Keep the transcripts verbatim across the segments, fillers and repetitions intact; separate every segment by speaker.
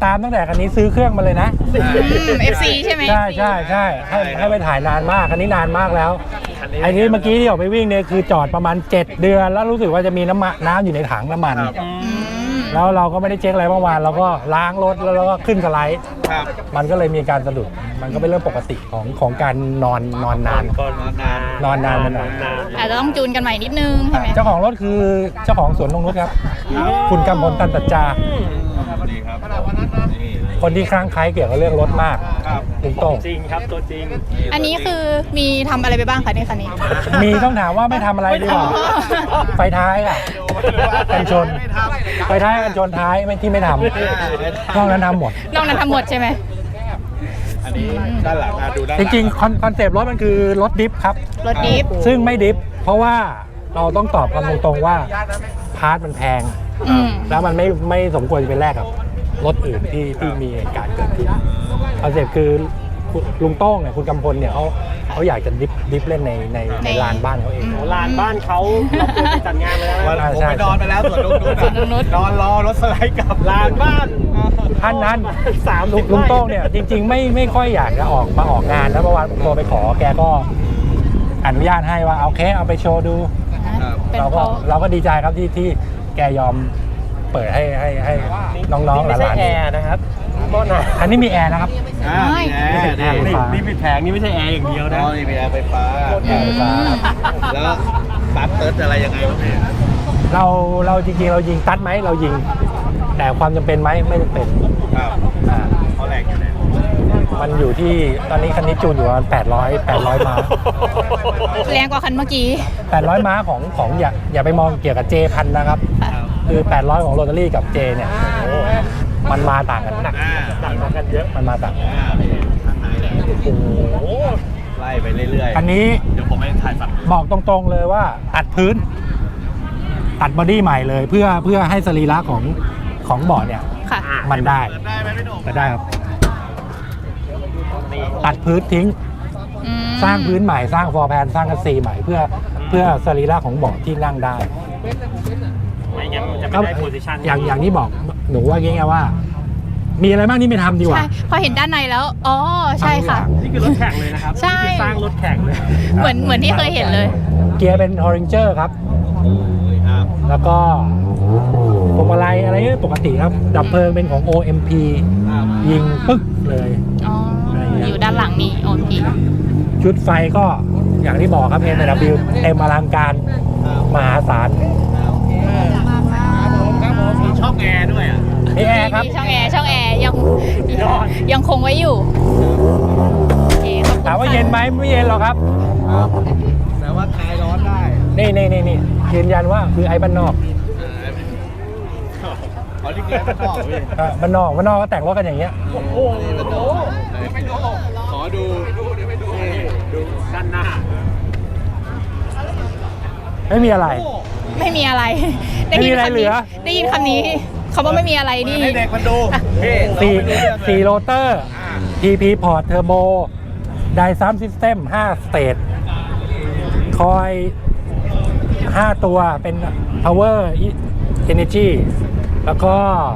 Speaker 1: ตามตั้งแต่คันนี้ซื้อเครื่องมาเลยนะ
Speaker 2: เอฟซีใช่ไหม
Speaker 1: ใช่ใช่ใช่ให้ให้ไปถ่ายนานมากคันนี้นานมากแล้วไอ้ที่เมื่อกี้ที่ออกไปวิ่งเนี่ยคือจอดประมาณเจ็ดเดือนแล้วรู้สึกว่าจะมีน้ำมันน้ำอยู่ในถังน้ำมัน
Speaker 2: อืม
Speaker 1: แล้วเราก็ไม่ได้เช็คอะไรเมื่อวานเราก็ล้างรถแล้วเราก็ขึ้นสไลด์
Speaker 3: ครับ
Speaker 1: มันก็เลยมีการสะดุดมันก็เป็นเรื่องปกติของของการนอนนอนนาน
Speaker 3: ก่อนนาน
Speaker 1: นอนนานมันนาน
Speaker 2: อาจจะต้องจูนกันใหม่นิดนึงใช่ไหม
Speaker 1: เจ้าของรถคือเจ้าของสวนนงนุชครับ คุณกำพลตันตัจจา
Speaker 3: ดีครับนี่
Speaker 1: คนที่คลั่งไคล้เกี่ยวกับเรื่องรถมาก
Speaker 3: ครับ
Speaker 1: ลุงโต้ง
Speaker 4: จริงครับตัวจริง
Speaker 2: อันนี้คือมีทำอะไรไปบ้างคะในคันนี้
Speaker 1: มีต้องถามว่าไม่ทำอะไรดีกว่า ไฟท้ายอ่ะกันชน ไฟท้ายกันชนท้ายไม่ที่ไม่ทำนอกนั้นทำหมด
Speaker 2: นอกนั้นทำหมดใช่ไหม
Speaker 3: อันนี้ด้านหลังอ่ะดูด้านห
Speaker 1: จ
Speaker 3: ลัง
Speaker 1: ริงๆคอนคอนเซปต์รถมันคือรถดิฟครับ
Speaker 2: รถดิฟ
Speaker 1: ซึ่งไม่ดิฟเพราะว่าเราต้องตอบกันตรงๆว่าพาร์ทมันแพง
Speaker 2: อืม
Speaker 1: แล้วมันไม่ไม่สมควรจะเป็นแลกกับรถอื่นที่ที่มีเหตุการณ์เกิดขึ้นคอนเซปต์คือลุงโต้งเนี่ยคุณกำพลเนี่ยเขาเขาอยากจะดิฟดิฟเล่นในในในลานบ้านเขาเอง
Speaker 4: โหลานบ้านเขาเราควรไปจัดงานไปแล้ว
Speaker 3: วัน
Speaker 4: นะ
Speaker 3: ผมไปนอนไปแล้วส่วนลุงนุ๊ก
Speaker 2: ส่วนลุงนุช
Speaker 3: นอนรอรถสไลด์กลับ
Speaker 4: ลานบ้าน
Speaker 1: ท่านนั้น
Speaker 4: สาม
Speaker 1: ลุ
Speaker 4: สิ
Speaker 1: ง
Speaker 4: บ
Speaker 1: ลุงโต้งเนี่ยจริง ๆ ไม่ไม่ค่อยอยากจะออกมาออกงานนะเมื่อวานผมโทรไปขอแกก็อนุญาตให้ว่าเอาเคเอาไปโชว์ดู
Speaker 2: เป็น
Speaker 1: เรา
Speaker 2: เพ
Speaker 1: ก็
Speaker 2: ราะ
Speaker 1: เราก็ดีใจครับที่ที่แกยอมเปิดให้ให้ให้น้องๆห
Speaker 4: ไม่ใช่
Speaker 1: ลาน
Speaker 4: แอร์นะครับโทษนะ
Speaker 1: ๆอันนี้มีแอร์นะครับ
Speaker 3: อ่ามีแอร์
Speaker 1: ไม่
Speaker 3: นี่
Speaker 1: ใช่
Speaker 4: นี่นี่ปิดแผงนี่ไม่ใช่แอร์อย่างเดียว
Speaker 3: อ๋
Speaker 4: นะ
Speaker 3: อนี่มีแอร์ไฟฟ้า
Speaker 1: แอร์ไฟฟ้า
Speaker 3: แล้วปั๊บเติร์ดอะไรยังไงวะพี่
Speaker 1: เราเราจริงๆเรายิงตัดไหมเรายิง แต่ความจำเป็นไหมไม่จำเป็น
Speaker 3: ครับ
Speaker 1: อ่า
Speaker 3: เขาแรงอยู่เนี่ย
Speaker 1: มันอยู่ที่ตอนนี้คันนี้จูนอยู่ประมาณแปดร้อย แปดร้อยม้า
Speaker 2: แรงกว่าคันเมื่อกี้
Speaker 1: แปดร้อยม้าของของอย่าอย่าไปมองเกี่ยวกับ J พันนะครับ คือแปดร้อยของโรตารี่กับ J เนี่ยโอ้มันมาต่างกันหนัก
Speaker 3: อ่า
Speaker 4: ต่างกันเยอะ
Speaker 1: มันมาต่างกัน
Speaker 3: อ่าข้างในเลย
Speaker 1: โอ้โห
Speaker 3: ไล่ไปเรื่อยๆ
Speaker 1: อันนี้
Speaker 3: เดี๋ยวผมไปถ่ายฝั่ง
Speaker 1: บอกตรงๆเลยว่าตัดพื้น ตัดบอดี้ใหม่เลยเพื่อเพื่อให้สรีระของของเบาะเนี่ย
Speaker 2: ค่ะ
Speaker 1: มันได้
Speaker 3: เปิดได้ไหมพี่หนุ่ม
Speaker 1: ก็ได้ครับ ตัดพื้นทิ้ง
Speaker 2: อืม
Speaker 1: สร้างพื้นใหม่สร้างฟอร์แพนสร้างกัสซีใหม่เพื่อเพื่อสรีระของเบาะที่นั่งได้
Speaker 4: ไม่งั้นมันจะไม่
Speaker 1: ก็
Speaker 4: ได้โพซิชัน
Speaker 1: อย่างอย่างที่บอกหนูว่าง่ายๆว่า มีอะไรบ้างที่ไม่ทำดีกว่า
Speaker 2: ใช่พอเห็นด้านในแล้ว อ๋อ ใช่ค่ะ
Speaker 4: นี่คือรถแข่งเลยนะครับ
Speaker 2: ใช่
Speaker 4: นี่คือสร้างรถแข่งเลย
Speaker 2: เหมือนเหมือนที่เคยเห็นเลย
Speaker 1: เกียร์เป็นฮอริงเจอร์ครับ
Speaker 3: ครับ
Speaker 1: แล้วก็พวงมาลัยอะไรเงี้ยปกติครับ ดับเพลิงเป็นของ โอ เอ็ม พี ยิงปึ๊กเลย
Speaker 2: อ๋อ อยู่ด้านหลังนี่โอเค
Speaker 1: ชุดไฟก็อย่างที่บอกครับ เอ็ม ดับเบิลยู เต็มอลังการมหาศาล
Speaker 3: ครับผมมีช่องแอร์ด้วยอ่ะ
Speaker 1: มีแอร์ครับ
Speaker 2: มีช่องแอร์ช่องแอร์ยังยังคงไว้อยู่โอเคขอบคุณ
Speaker 1: ถามว่าเย็นไหมไม่เย็นหรอกครับ
Speaker 3: แต่ว่าคลายร้อนได้
Speaker 1: นี่นี่นี่นี่ยืนยันว่าคือไอ้บ้านนอก
Speaker 3: อ๋อนี่คือไม่ต้องพี่
Speaker 1: อ่ะบ้านนอกบ้านนอกก็แต่งรถกันอย่างเงี้ย
Speaker 3: โอ้โหขอดูนี่ดู
Speaker 4: ด้านหน้า
Speaker 1: ไม่มีอะไร
Speaker 2: ไม่มีอะไร
Speaker 1: ไม่มีอะไรเหลือ
Speaker 2: ได้ยินคำนี้คำว่าไม่มีอะไรนี่
Speaker 3: ให้เด็กมันดูเฮ้
Speaker 1: สี่
Speaker 3: เราไปดูเรื่องเลย
Speaker 1: สี่โรเตอร์ ที พี พอร์ต เทอร์โบ ไดซัมซิสเต็มห้าสเตจ คอยห้าตัวเป็น power energy แล้วก็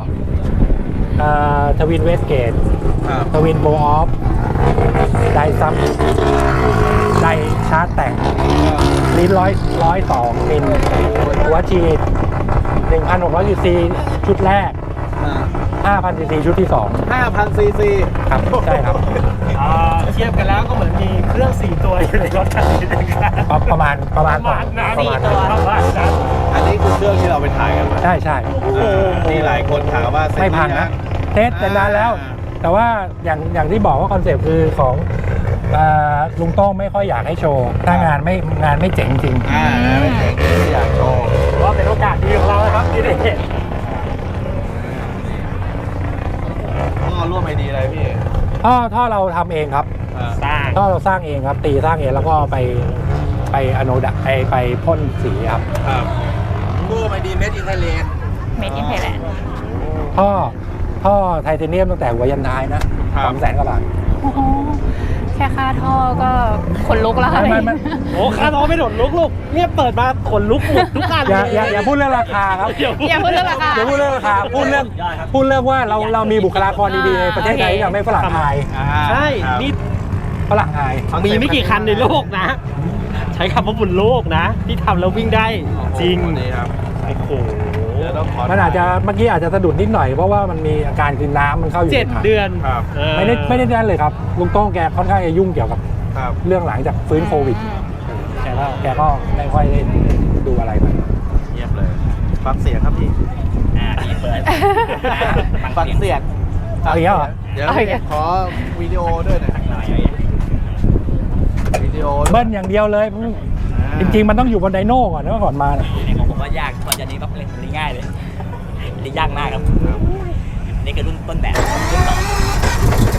Speaker 1: ทวินเวสเกต
Speaker 3: ครับ
Speaker 1: ทวินโบออฟ ไดซัม ไดชาร์จแต่งลิ้นร้อยร้อยสองมิลหัวฉีดหนึ่งพันหกร้อยซีซีชุดแรก ห้าพันซีซีชุดที่สอง
Speaker 3: ห้าพันซีซี
Speaker 1: ครับ ใช่ครับ
Speaker 4: อ่าเทียบกันแล้วก็เหมือนมีเครื่องสี่ตัวอยู่ในรถคันนี้นะครับ
Speaker 1: ประประมาณประมาณ
Speaker 4: ประมาณนั้น
Speaker 1: ประมาณ
Speaker 2: สี่ตัว
Speaker 4: ประมาณนั้น
Speaker 3: อันนี้คือเครื่องที่เราไปถ่ายกันมา
Speaker 1: ใช่ใช่
Speaker 3: อ่านี่หลายคนถามว่าเซ็ต
Speaker 1: ไม่พังนะ เทสแต่นานแล้ว แต่ว่าอย่างอย่างที่บอกว่าคอนเซปต์คือของเอ่อลุงโต้งไม่ค่อยอยากให้โชว์ ถ้างานไม่งานไม่เจ๋งจริง
Speaker 3: อ่าไม่เจ๋งไม่อยากโชว์
Speaker 4: ว่าเป็นโอกาสดีของเรานะครับที่ได้เห็น
Speaker 3: ก็ร่วมไอดีอะไรพี่
Speaker 1: ท่อท่อเราทำเองครับ
Speaker 3: อ่า
Speaker 4: สร้าง
Speaker 1: ท่อเราสร้างเองครับ ตีสร้างเองแล้วก็ไปไปอโนดะไปไปพ่นสีครับ
Speaker 3: ครับร่วมไอดีเมดอินไทยแลนด์
Speaker 2: เมดอินไทยแลนด์
Speaker 1: ท่อท่อไทเทเนียมตั้งแต่หัวยันท้ายนะสองแสนกว่าบาท
Speaker 2: แค่ค่าท่อก็ขนลุกแล้วค่ะ
Speaker 1: ไม่ไม่ไม่
Speaker 4: โอ้คาร์ทอไม่โดดลุกลูกเนี่ยเปิดมาขนลุกหมดทุกคัน
Speaker 1: อย่าอย่าอย่าพูดเรื่องราคาครับ
Speaker 2: อย่าพูดเรื่องราคา
Speaker 1: อย่าพูดเรื่องราคาพูดเรื่องพูดเรื่องว่าเราเรามีบุคลากรดีๆในประเทศไทยที่ทำให้ฝรั่งอาย
Speaker 4: ใช่นี่
Speaker 1: ฝรั่งอาย
Speaker 4: มีไม่กี่คันในโลกนะ ใช้คำว่าบนโลกนะ ที่ทำแล้ววิ่งได้จริง
Speaker 3: นี่ครับ
Speaker 4: โอ้โห
Speaker 3: เดี๋ยวต้องขอ
Speaker 1: มันอาจจะเมื่อกี้อาจจะสะดุดนิดหน่อยเพราะว่ามันมีอาการคือน้ำมันเข้าอยู่
Speaker 4: เจ็ด
Speaker 1: ในถัง
Speaker 4: เดือน
Speaker 3: ครับ
Speaker 4: เออ
Speaker 1: ไม่ได้ไม่ได้นั่นเลยครับลุงโต้งแกค่อนข้างจะยุ่งเกี่ยวกับ
Speaker 3: ครับ
Speaker 1: เรื่องหลังจากฟื้นโควิดแกก็แกก็ไม่ค่อยได้ดูอะไรมัน
Speaker 3: เยี่ยมเลย ฟังเสียงครับพี่
Speaker 5: อ่าพี่เปิด
Speaker 3: ฟังเสียง
Speaker 1: เอาอีกแล้วเหรอ
Speaker 3: เดี๋ยว
Speaker 2: เอาอีกแล้ว
Speaker 3: ขอวิดีโอด้วยหน่อย
Speaker 5: หน่อย
Speaker 3: วิดีโอ
Speaker 1: เบิ้ลอย่างเดียวเลย จริงๆมันต้องอยู่บนไดโน่ก่อนนะก่อนมาเนี่ย
Speaker 5: นี่ของผมว่ายากตอนนี้ต้องเล่นนี่ง่ายเลยนี่ยากมากครับ นี่คือรุ่นต้นแบบรุ่นต่อ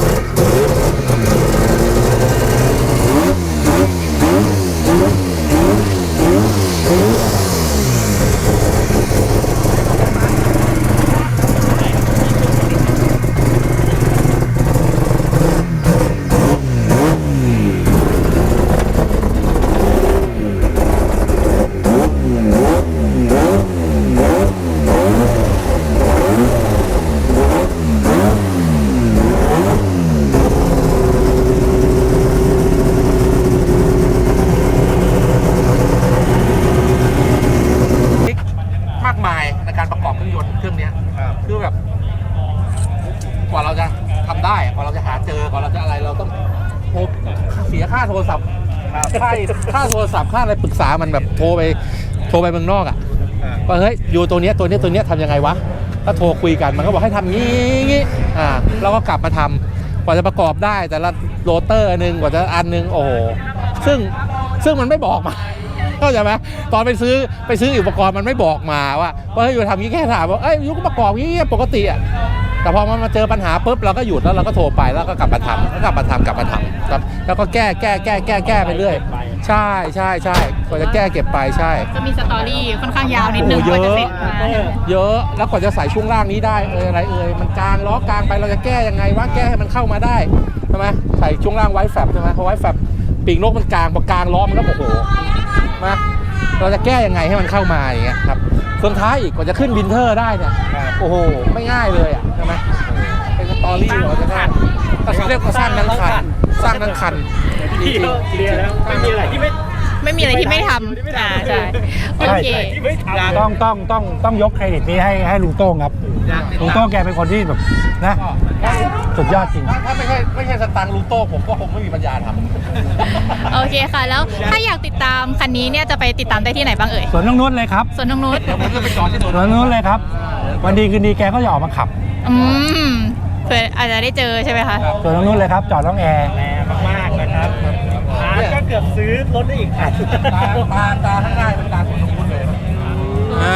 Speaker 6: มากมายในการประกอบเครื่องยนต์เครื่องเนี้ย
Speaker 3: ครับ
Speaker 6: คือแบบ กว่าเราจะทำได้กว่าเราจะหาเจอกว่าเราจะอะไรเราต้องโทรเสียค่าโทรศัพท์ค่าค่าโทรศัพท์ค่าอะไรปรึกษามันแบบโทรไปโทรไปเมืองนอกอ่ะ
Speaker 3: อ่า
Speaker 6: ว่าเฮ้ยอยู่ตัวเนี้ยตัวเนี้ยตัวเนี้ยทำยังไงวะก็โทรคุยกันมันก็บอกให้ทำงี้งี้อ่าเราก็กลับมาทำกว่าจะประกอบได้แต่ละโรเตอร์อันหนึงกว่าจะอันหนึงโอ้โหซึ่งซึ่งมันไม่บอกมา เข้าใจไหมตอนไปซื้อไปซื้ออุปกรณ์มันไม่บอกมาว่าว่าเฮ้ยอยู่ทำงี้แค่ถามว่าเอ้ยยุก็ประกอบงี้ปกติอ่ะแต่พอมันมาเจอปัญหาปุ๊บเราก็หยุดแล้วเราก็โทรไปแล้วก็กลับมาทำแล้วกลับมาทำกลับมาทำครับแล้วก็แก้แก้แก้แก้แก้ไปเรื่อยใช่ใช่ใช่กว่าจะแก้เก็บไปใช่
Speaker 2: ก็มีสตอรี่ค่อนข้างยาวนิดนึง
Speaker 6: โอ้
Speaker 2: กว่า
Speaker 6: เย
Speaker 2: จะ
Speaker 6: อะ
Speaker 2: เสร็จมา
Speaker 6: เยอะแล้วกว่าจะใส่ช่วงล่างนี้ได้เอออะไรเอ่ยมันกลางล้อกลางไปเราจะแก้ยังไงวะแก้ให้มันเข้ามาได้ใช่ไหมใส่ช่วงล่างไว้แฟบใช่ไหมพอไว้แฟบปีกนกมันกลางพอกลางล้อมันก็โอ้โหมาเราจะแก้ยังไงให้มันเข้ามาอย่างเงี้ยครับส่วนท้ายอีกกว่าจะขึ้นวินเทอร์ได้เนี่ยโอ้โหไม่ง่ายเลยอ่ะใช่ไหมเป็นสตอรี่กว่าจะได้ก็เรียกว่าสร้างทั้งคันสร้างทั้งคัน
Speaker 4: พี่เขาเคลียร์แล้วไม่มีอะไรที่ไม่
Speaker 2: ไม่มีอะไรที่ไม่ทำอ่าใช่โอเค
Speaker 4: ที่ไม่ทำ
Speaker 1: ต้องต้องต้องต้องยกเครดิตนี้ให้ให้ลุงโต้งครับลุงโต้งแกเป็นคนที่แบบนะสุดยอดจริง
Speaker 6: ถ้าถ้าไม่ใช่ไม่ใช่สตังค์ลูโต้ผมก็คงไม่มีปัญญาทำ
Speaker 2: โอเคค่ะ แล้วถ้าอยากติดตามคันนี้เนี่ยจะไปติดตามได้ที่ไหนบ้างเอ่ย
Speaker 1: ส่วนน้องนุชเลยครับ
Speaker 2: ส่วนน้องนุช
Speaker 6: ผมจะไปจอดที่โดน
Speaker 1: ส่วนน้องนุชเลยครับ วันดีคืนดีแกก็จะออกมาขับ
Speaker 2: อืมเผื่ออาจจะได้เจอใช่ไหมคะ
Speaker 1: ส่วนน้องนุชเลยครับ จอดน้องแอร์
Speaker 4: แรงมากๆนะครับอาร์ตก็เกือบซื้อรถได้อีกคัน
Speaker 6: ตาตาตาข้างหน้าเป็นตาของลุงพุทธเลยอ่า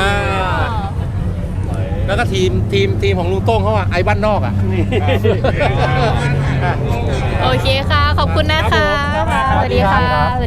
Speaker 6: แล้วก็ทีมทีมทีมของลุงโต้งเขาอะไอ้บ้านนอกอะ
Speaker 2: โอเคค่ะ ขอบคุณนะคะ สวัสดีค่ะ